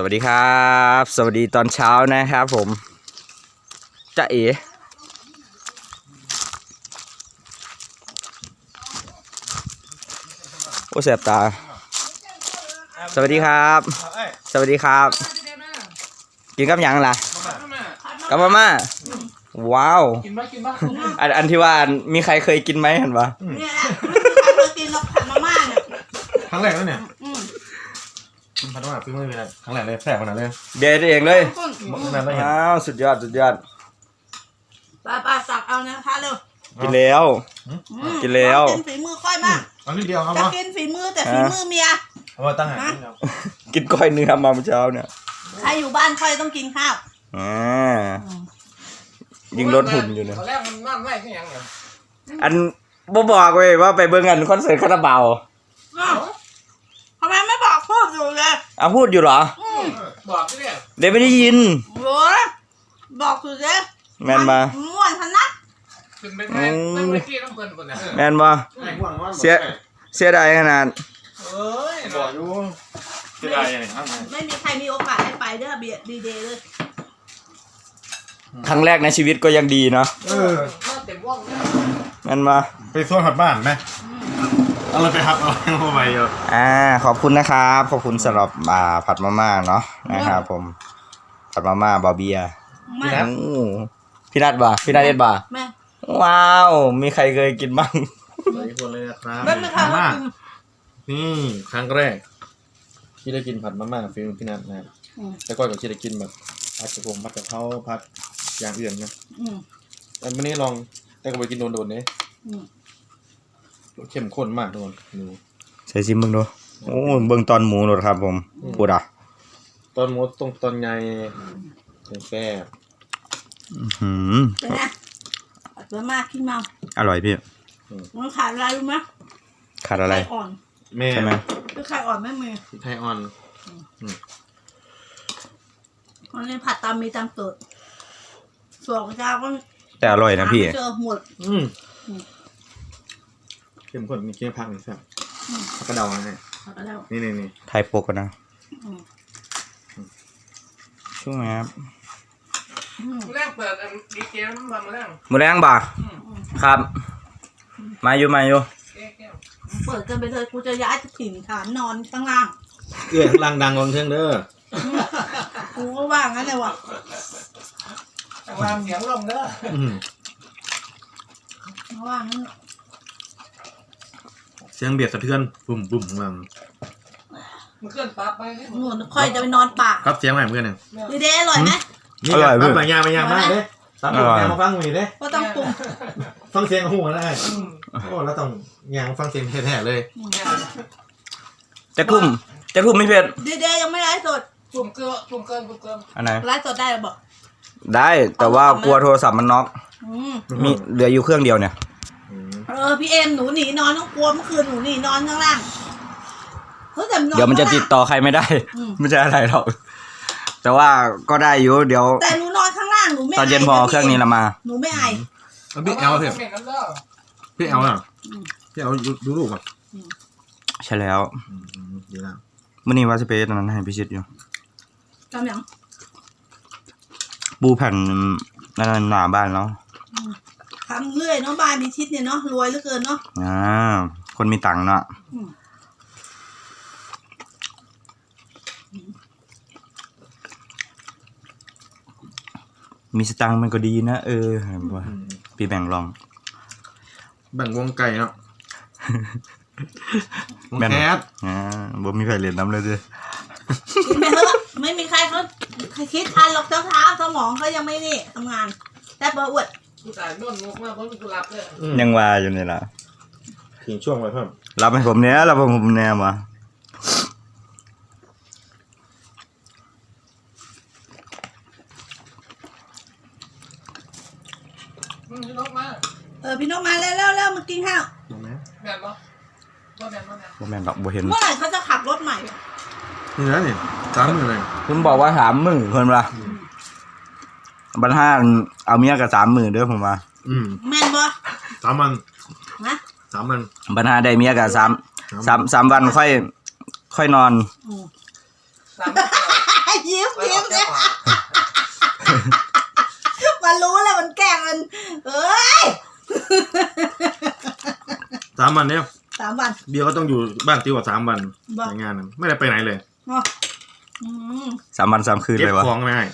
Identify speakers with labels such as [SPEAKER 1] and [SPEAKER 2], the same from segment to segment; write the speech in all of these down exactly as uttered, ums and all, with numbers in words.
[SPEAKER 1] วัสดีครับสวัสดีตอนเช้านะครับผมจ๊ะเอ๋โอ้แสบตาสวัสดีครับสวัสดีครับกินกับยังล่ะกับมาม่าว้าวอันอันที่ว่ามีใครเคยกินไหมเห็นปะ
[SPEAKER 2] เนี่ยแหละไม่เคยกินกับผัดมาม่าเนี่ย
[SPEAKER 3] ครั้งแรกแล้วเนี่ยผัดมาม่าฟิ้งไม่มีอะไรครั้งแรกเลยแสบขนาดเลย
[SPEAKER 1] เด็ดเองเลย
[SPEAKER 3] อ้
[SPEAKER 1] าวสุดยอดสุดยอด
[SPEAKER 2] ปลาปลาตักเอานะท้าเร็ว
[SPEAKER 1] กินแล้วกินแล้ว
[SPEAKER 2] กินฝีมือค่อยมาก
[SPEAKER 3] เอานิดเดียวครับ
[SPEAKER 2] จะกินฝีมือแต่ฝีมือเมีย
[SPEAKER 3] เอามาตั้งหา
[SPEAKER 1] กินก้อยเนื้อมาเมื่อเช้าเนี่ย
[SPEAKER 2] ใครอยู่บ้านค่อยต้องกินข้าว
[SPEAKER 1] อ่ายิงรถหุ่นอยู่เนี่ย
[SPEAKER 4] ตอนแรกมันนั่นไม่ใช่ยังไง
[SPEAKER 1] อันบ่บอกเว้ยว่าไปเบิ่งกันคอนเสิร์ตคาราบาว
[SPEAKER 2] ทำไมไม่บอกพูดอยู่เลย
[SPEAKER 1] อ่ะพูดอยู่เหรอ
[SPEAKER 4] บอกที่เนี่ย
[SPEAKER 1] เดี๋ยวไม่ได้ยิน
[SPEAKER 2] โว้ยบอกอยู่เลย
[SPEAKER 1] แมนมา
[SPEAKER 2] ม่วนพนัด
[SPEAKER 4] ขึ้นไปแม่ต้องไปที่ต้องเปิดก่อนนะ
[SPEAKER 1] แมนมาเสียเสียดายขนาด
[SPEAKER 4] เอ้ย
[SPEAKER 3] บอกอยู่เสียดายยังไงครับ
[SPEAKER 2] ไม่มีใครมีโอกาสได้ไปเด้อเบียดดีเดย์เลย
[SPEAKER 1] ครั้งแรกในชีวิตก็ยังดีเนาะ
[SPEAKER 3] เออ
[SPEAKER 4] เต็มว่อง
[SPEAKER 1] แมนมา
[SPEAKER 3] ไปส่วนผัดบ้านไหมเอาเราไปหับเอาเข้าไปเยอะ
[SPEAKER 1] อ่าขอบคุณนะครับขอบคุณสำหรับอ่าผัดมาม่าเนาะนะครับผมผัดมาม่าบาเบียพี่นัทพี่นัทบ่าพี่นัทเอ็ดบ่าว้าวมีใครเคยกินบ้าง
[SPEAKER 3] หลายคนเลยนะครับ
[SPEAKER 2] มาม่า
[SPEAKER 3] นี่ครั้งแรกที่ได้กินผัดมาม่าฟิลพี่นัทนะแต่ก่อนก็ที่ได้กินแบบผัดกระเพงผัดกะเพราผัดอย่างอื่นนะแต่วันนี้ลองแต่ก็ไปกินโดนๆเนี่ยเข้มข้นมากทุกคนดู
[SPEAKER 1] ใส่ซิมเบิ่งดูโอ้เบิ่งตอนหมูหนดครับผมพูดอ่ะ
[SPEAKER 3] ตอนหมูตรงตอนไงแซ่บ
[SPEAKER 1] อืม
[SPEAKER 2] เป็นไงผัดมาม่าขึ้นมา
[SPEAKER 1] อร่อยพี่
[SPEAKER 2] มันขาดอะไรรู้ไหม
[SPEAKER 1] ขาดอะไร
[SPEAKER 2] ไข่อ่อน
[SPEAKER 1] ใช่ไหม
[SPEAKER 2] คือไข่อ่อนไม่มี
[SPEAKER 3] ไข่อ่อน
[SPEAKER 2] วันนี้ผัดตามมีตามเกิดสองเจ้าก็
[SPEAKER 1] แต่อร่อยนะพี่
[SPEAKER 2] เจอหมด
[SPEAKER 3] เข้มข้นมีเคี่ยวผักนี่แซ่บผักกระเดาไงนี่นี่นี่
[SPEAKER 1] ไทยโปกกันนะช่วงไหนครับ
[SPEAKER 4] แรกเปิดดีเจมันมาแรก
[SPEAKER 1] มือแรงบ่าครับมาอยู่มาอยู่
[SPEAKER 2] เปิดกันไปเลยกูจะย้ายถิ่นฐานนอนข้างล่าง
[SPEAKER 3] เอื้อล่างดังลงเทิงเด้อ
[SPEAKER 2] กูก็ว่างั้นเลยว่ะ
[SPEAKER 4] ข้างล่างเสียงลมเด้อ
[SPEAKER 2] ว่างั้น
[SPEAKER 3] เสียงเบียดสะเทือนบุ่มบุ่มของเรา
[SPEAKER 4] มันเคลื่อนปั๊บไป
[SPEAKER 2] หนูค่อยจะไปนอนป่า
[SPEAKER 3] ครับเสียงอะไรเพื่อนหนึ่ง
[SPEAKER 2] ดีเด้อร่อยไหม
[SPEAKER 1] อร่อยเพื่อน
[SPEAKER 3] ปัญญาปัญญามากเลยตามยางมาฟังมีเด้
[SPEAKER 2] ก็ต้องปรุง
[SPEAKER 3] ฟังเสียงหูได้โอ้แล้วต้องยางฟังเสียงแท้ๆเลย
[SPEAKER 1] จะทุ่มจะทุ่มไม่เผ็ด
[SPEAKER 2] ดีเด้ยังไม่ไลฟ์สด
[SPEAKER 4] จุ่มเกลือจุ่มเกลือจุ่มเกลือ
[SPEAKER 1] อันไหน
[SPEAKER 2] ไลฟ์สดได้หรอบอก
[SPEAKER 1] ได้แต่ว่ากลัวโทรศัพท์มันน็อกมีเหลืออยู่เครื่องเดียวเนี่ย
[SPEAKER 2] เออพี่เอ็มหนูหนีนอนต้องกลัวเมื่อคืนหนูหนีนอนข้างล่าง
[SPEAKER 1] เดี๋ยวมันจะติดต่อใครไม่ได้ไม่ใช่อะไรหรอกแต่ว่าก็ได้อยู่เดี๋ยว
[SPEAKER 2] แต่หนูนอนข้างล่างหนูไม่
[SPEAKER 1] ตอนเย็นพอเครื่องนี้ละมา
[SPEAKER 2] หนูไม่ไอ
[SPEAKER 3] พี่เอลเถอะพี่เอลอ่ะพี่เอลดูรูปอ่ะ
[SPEAKER 1] ใช่แล้ว
[SPEAKER 3] ดีแล้ว
[SPEAKER 1] มื่อนี้ว่าจะไปตอนนั้นให้พิชิตอยู่
[SPEAKER 2] จำยัง
[SPEAKER 1] ปูแผ่นนั่นหนาบ้านแล้ว
[SPEAKER 2] ทำเรื่อยเนาะบ้านพิชิตเนี่ยเนาะรวยเหลือเกินเนาะ
[SPEAKER 1] อ่าคนมีตังค์เนาะมีสตังค์มันก็ดีนะเออว่าพี่แบ่งลอง
[SPEAKER 3] แบ่งวงไก่เนาะวงแคท
[SPEAKER 1] อ่าบ่มีใครเรียนน้ำเลยดิ
[SPEAKER 2] กินไปเถอะไม่มีใครเขาคิดทันหรอกเท้าเท้าสมองเขายังไม่นี่ทำงานแต่เบอร์อวด
[SPEAKER 4] กูตายนอนงกมากเพราะกูรับเลย
[SPEAKER 1] ยังว่าอยู่นี่ล่ะ
[SPEAKER 3] ถึงช่วงไว้เพิ่ม
[SPEAKER 1] รับให้ผมเนี้ยรับให้ผมเนี้ยมา
[SPEAKER 4] พี่นกมา
[SPEAKER 2] เออพี่นกมาแล้วแล้วแล้วมากินข้าว
[SPEAKER 4] แม่นปะว่าแม่นว่าแม่น
[SPEAKER 1] ว่าแม่นดอกบัวเห็น
[SPEAKER 2] เมื่อไหร่เขาจะขับรถใหม่
[SPEAKER 3] นี่นะนี่สามหมื่นเลย
[SPEAKER 1] คุณบอกว่าสามหมื่นคนละบรรทัดเอาเมียกับสามหมื่นเด้อผมว่า
[SPEAKER 2] แม่นปะ
[SPEAKER 3] สามวัน
[SPEAKER 2] นะ
[SPEAKER 3] สามวัน
[SPEAKER 1] บรรทัดได้เมียกับสามสามสามวันค่อยค่อยนอน
[SPEAKER 2] ยิ้มยิ้มเนี่ยมันรู้แล้วมันแกล้งมันเอ้ย
[SPEAKER 3] สามวันเนี่ย
[SPEAKER 2] สามวัน
[SPEAKER 3] เดียวก็ต้องอยู่บ้านติวสามวัน
[SPEAKER 2] บ้า
[SPEAKER 3] ในงานนั้นไม่ได้ไปไหนเลย
[SPEAKER 2] อ๋ออืม
[SPEAKER 1] สามวันสามคืน
[SPEAKER 3] เก็บ
[SPEAKER 1] เลยวะ
[SPEAKER 3] ของไม่ให้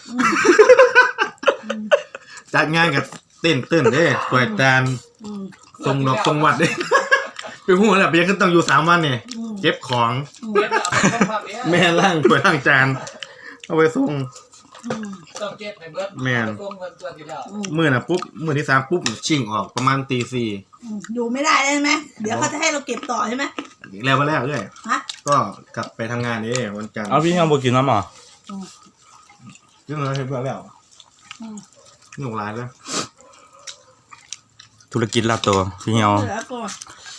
[SPEAKER 3] จัดงานกับเต้นเต้นเด้ปล่อยจาน
[SPEAKER 2] อืม
[SPEAKER 3] ทรงดอกทรงวัดเด้ไปหูแหละเบียร์ก็ต้องอยู่สามวันเนี่ย
[SPEAKER 2] อืม
[SPEAKER 3] เก็บของ
[SPEAKER 2] อืม
[SPEAKER 4] เก็บเอาต้องพักเนี่ย
[SPEAKER 3] แม่ล่างถ้วยล่างจานเอาไปส่ง
[SPEAKER 2] อืม
[SPEAKER 4] ต้องเก็บให้เบิด
[SPEAKER 3] แม่น
[SPEAKER 4] ต้องเงินตัวที่แล้ว
[SPEAKER 2] อืม
[SPEAKER 3] มื่อน่ะปุ๊บมื่อที่สามปุ๊บชิ่งออกประมาณตีสี่
[SPEAKER 2] อืมอยู่ไม่ได้เลยใช่ไหมเดี๋ยวเขาจะให้เราเก็บต่อใช่ไหม
[SPEAKER 3] อีกแล้วมาแล้วเลย
[SPEAKER 2] ฮะ
[SPEAKER 3] ก็กลับไปทำงานนี่วันจันทร์
[SPEAKER 1] เอาพี่ยังบอกกินน้ำหรอ
[SPEAKER 2] อืม
[SPEAKER 3] เรื่องอะไรเห็นบ้างแล้ว
[SPEAKER 2] อืม
[SPEAKER 3] หนุ่มร้ายแล้ว
[SPEAKER 1] ธุรกิจลาบตัวพี่เหี่ยว
[SPEAKER 2] เหลือก่อน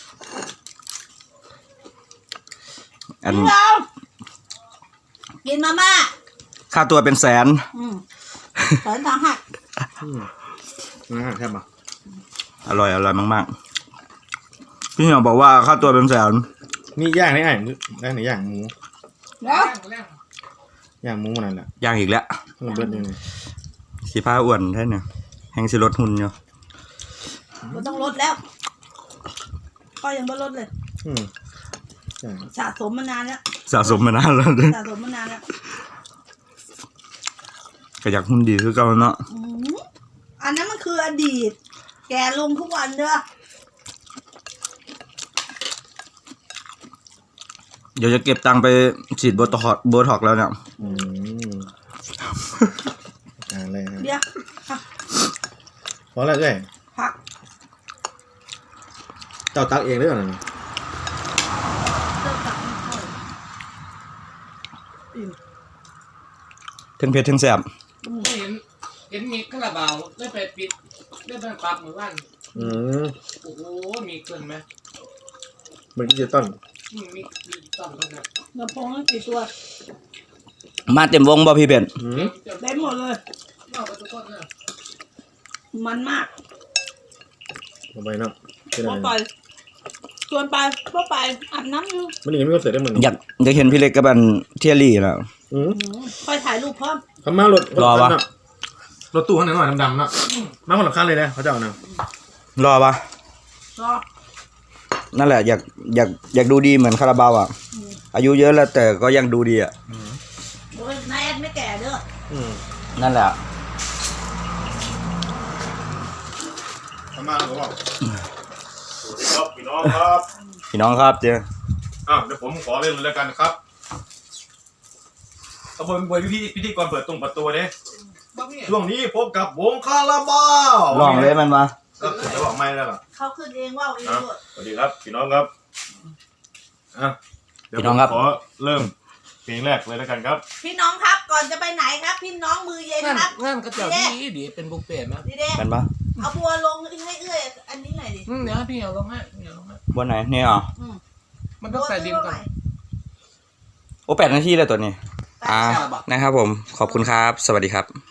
[SPEAKER 1] อัน
[SPEAKER 2] พี่เรากินมาม่า
[SPEAKER 1] ค่าตัวเป็นแสน
[SPEAKER 2] อืมแสนสาหัส
[SPEAKER 3] อืมนะแทบปะ
[SPEAKER 1] อร่อยอร่อยมากๆพี่เหี่ยวบอกว่าค่าตัวเป็นแสน
[SPEAKER 3] นี่ย่างนี่ไอ้ได้ไหนย่างหมู
[SPEAKER 2] แล้ว
[SPEAKER 4] แรง
[SPEAKER 3] ย่างหมูนั่นแหละ
[SPEAKER 1] ย่างอีกแล้ว
[SPEAKER 3] เพิ่มเบิดเลย
[SPEAKER 1] สีผ้าอ้วนแท้เนี่ยแหงสิลดหุ่นอยู่
[SPEAKER 2] เราต้องลดแล้ว ก็ยังไม่ลดเลย
[SPEAKER 3] อืมใช่
[SPEAKER 2] สะสมมานานแล้ว
[SPEAKER 1] สะสมมานานแล้ว
[SPEAKER 2] สะสมมานานแล้ว
[SPEAKER 1] ก็อยากหุ่นดีคือเก่าเนาะ
[SPEAKER 2] อืมอันนั้นมันคืออดีต แกลงทุกวันเด้อ
[SPEAKER 1] เดี๋ยวจะเก็บตังค์ไปฉีดโบท็อกซ์โบท็อกซ์แล้วเนี่ย
[SPEAKER 3] อืมอ่าเลยครับ
[SPEAKER 2] เดี๋ยวผัก
[SPEAKER 3] พอแล้วเลย
[SPEAKER 2] ผัก
[SPEAKER 3] เจ้าตักเองหรือเปล่า
[SPEAKER 2] เติมผักไม่ค่อยอิ่ม
[SPEAKER 1] ทั้งเผ็ดทั้งแซ่บ
[SPEAKER 2] อืม
[SPEAKER 4] เห็นเห็นมีคาราบาวได้ไปปิดได้ไปปรับหมู่บ้าน
[SPEAKER 3] อืม
[SPEAKER 4] โอ้โหมีเกินไหม
[SPEAKER 3] มันก็จะต้น
[SPEAKER 4] มีมีมีต้นเลยนะ
[SPEAKER 2] กระพงตั้งกี่ตัว
[SPEAKER 1] มาเต็มวงบ่พี่เบน
[SPEAKER 3] อืม
[SPEAKER 4] เต็ม
[SPEAKER 2] เต็มหมดเลย
[SPEAKER 4] นอกไปทุกคนเลย
[SPEAKER 2] มันมาก
[SPEAKER 3] เอาไปเนาะเป็น
[SPEAKER 2] พอ
[SPEAKER 3] อะไร
[SPEAKER 2] ไปชวนไปพอไปอาบน้ำอยู่
[SPEAKER 3] มันยังไม่ก็เสร็จได้เหมือน
[SPEAKER 1] อยากอยากเห็นพี่เล็กกับอันเทียรี่แล้ว
[SPEAKER 3] อืม
[SPEAKER 2] อืมค่อยถ่ายรูปพร้อม
[SPEAKER 3] คำมารถ
[SPEAKER 1] รอวะ
[SPEAKER 3] คันเนารถตู้ข้างหน้าหน่อยดำๆเนาะมาคนละคันเลยนะเขาจะเอานะ
[SPEAKER 1] รอปะ
[SPEAKER 2] รอ
[SPEAKER 1] นั่นแหละอยากอยากอยากดูดีเหมือนคาราบาวอ่ะ
[SPEAKER 2] อืม
[SPEAKER 1] อายุเยอะแล้วแต่ก็ยังดูดีอ่ะ
[SPEAKER 2] โอ้ยนายแอดไม่แก่เด้อ
[SPEAKER 3] อืม
[SPEAKER 1] นั่นแหละ
[SPEAKER 3] คำมาแล้วก็บอกครับพี่น้องครับ
[SPEAKER 1] พี่น้องครับเจ้
[SPEAKER 3] อ้าวเดี๋ยวผมขอเล่นเลยแล้วกันครับขบวนบวยพิธีพิธีกรเปิดตรงประตูเด้
[SPEAKER 4] บ้าพี่
[SPEAKER 3] ช่วงนี้พบกับวงคาราบาว
[SPEAKER 1] ลองเลยมันมา
[SPEAKER 3] ก็จะบอกไม่แล้วล่ะ
[SPEAKER 2] เขาขึ้นเองว่าเอง
[SPEAKER 3] ครับ
[SPEAKER 2] ด้วย
[SPEAKER 3] สวัสดีครับพี่น้องครับอ่ะเดี๋ยว
[SPEAKER 1] พี่น้องครับ
[SPEAKER 3] ผมขอเริ่มเพลงแรกเลยแล้วกันครับ
[SPEAKER 2] พี่น้องครับก่อนจะไปไหนครับ พี่น้องมือเย็น
[SPEAKER 4] งาน
[SPEAKER 2] ครับ
[SPEAKER 4] งานกระเจ้าดีดีเป็นบุฟเฟ่ต์ไหม
[SPEAKER 2] ดีเด้
[SPEAKER 1] กันปะ
[SPEAKER 2] เอาบัวลงให้เอื้อยอันนี้หน่อยดิ
[SPEAKER 4] อืมเดี๋ยวให้พี่เอาลงให้พี่เอาลงให้
[SPEAKER 1] บนไหนเนี่ยอ๋อ
[SPEAKER 2] อืม
[SPEAKER 4] มันต้องใส่ดินก่อน
[SPEAKER 1] โอ้แปดนาทีแล้วตัวนี้ อ่า
[SPEAKER 2] อ่า
[SPEAKER 1] นะครับผมขอบคุณครับ สวัสดีครับ